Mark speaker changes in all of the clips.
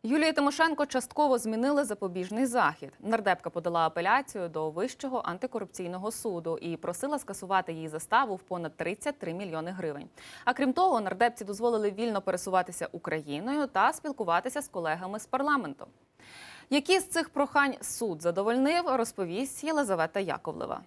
Speaker 1: Юлії Тимошенко частково змінили запобіжний захід. Нардепка подала апеляцію до Вищого антикорупційного суду і просила скасувати її заставу в понад 33 мільйони гривень. А крім того, нардепці дозволили вільно пересуватися Україною та спілкуватися з колегами з парламенту. Які з цих прохань суд задовольнив, розповість Єлизавета Яковлева.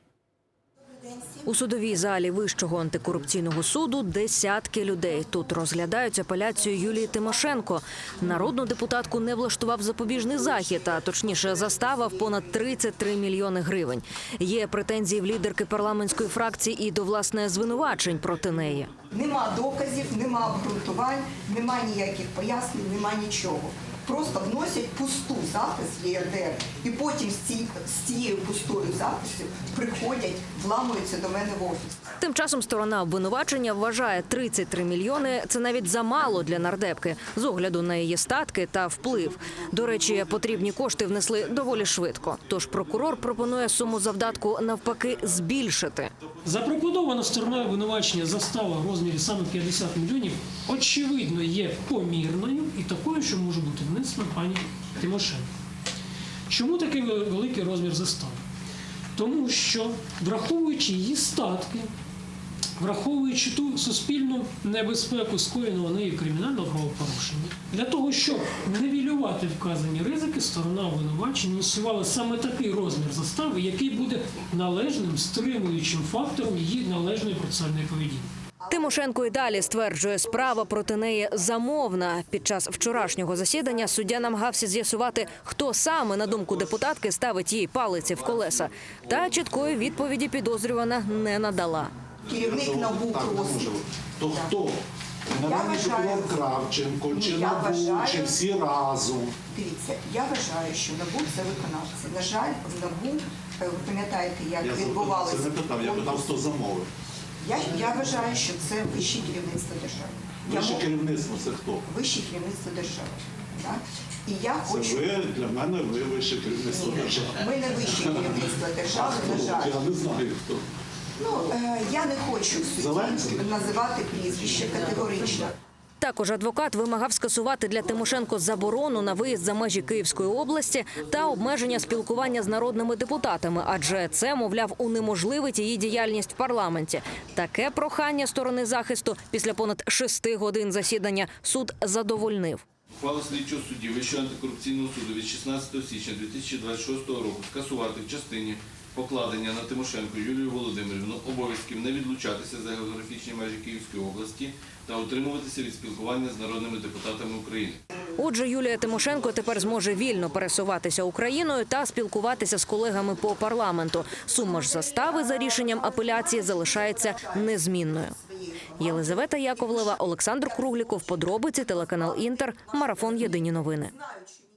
Speaker 2: У судовій залі Вищого антикорупційного суду десятки людей. Тут розглядають апеляцію Юлії Тимошенко. Народну депутатку не влаштував запобіжний захід, а точніше застава в понад 33 мільйони гривень. Є претензії в лідерки парламентської фракції і до, власне, звинувачень проти неї.
Speaker 3: Нема доказів, нема обґрунтувань, нема ніяких пояснень, нема нічого. Просто вносять пусту запис в ЄРДР і потім з цією пустою записю приходять, вламуються до мене в офіс.
Speaker 2: Тим часом сторона обвинувачення вважає, 33 мільйони – це навіть замало для нардепки, з огляду на її статки та вплив. До речі, потрібні кошти внесли доволі швидко. Тож прокурор пропонує суму завдатку навпаки збільшити.
Speaker 4: Запропонована стороною обвинувачення застава в розмірі саме 50 мільйонів, очевидно, є помірною і такою, що може бути внесена пані Тимошенко. Чому такий великий розмір застави? Тому що, враховуючи її статки, враховуючи ту суспільну небезпеку скоєного нею кримінального правопорушення, для того, щоб нівелювати вказані ризики, сторона обвинувачення ініціювала саме такий розмір застави, який буде належним стримуючим фактором її належної процесуальної поведінки.
Speaker 2: Тимошенко і далі стверджує, справа проти неї замовна. Під час вчорашнього засідання суддя намагався з'ясувати, хто саме, на думку депутатки, ставить їй палиці в колеса. Та чіткої відповіді підозрювана не надала.
Speaker 3: Керівник НАБУ просить.
Speaker 5: То хто? Генеральний прокурор Кравченко, чи НАБУ, чи всі разом?
Speaker 3: Дивіться, я вважаю, що НАБУ – це виконавці. На жаль, в НАБУ, ви пам'ятаєте, як відбувалося...
Speaker 5: Це не питав, я питав, хто замовив.
Speaker 3: Я вважаю, що це вище керівництво держави.
Speaker 5: Вище керівництво – це хто?
Speaker 3: Вище керівництво держави. Так? І я хочу...
Speaker 5: Це ви, для мене, ви вище керівництво держави.
Speaker 3: Ми не вище керівництво держави, на жаль.
Speaker 5: Я не знаю, хто.
Speaker 3: Я не хочу судді називати прізвище категорично.
Speaker 2: Також адвокат вимагав скасувати для Тимошенко заборону на виїзд за межі Київської області та обмеження спілкування з народними депутатами, адже це, мовляв, унеможливить її діяльність в парламенті. Таке прохання сторони захисту після понад 6 годин засідання суд задовольнив.
Speaker 6: Ухвала слідчого судді Вищого антикорупційного суду від 16 січня 2026 року скасувати в частині покладення на Тимошенко Юлію Володимирівну обов'язків не відлучатися за географічні межі Київської області та утримуватися від спілкування з народними депутатами України.
Speaker 2: Отже, Юлія Тимошенко тепер зможе вільно пересуватися Україною та спілкуватися з колегами по парламенту. Сума ж застави за рішенням апеляції залишається незмінною. Єлизавета Яковлева, Олександр Кругліков, подробиці, телеканал Інтер, марафон «Єдині новини».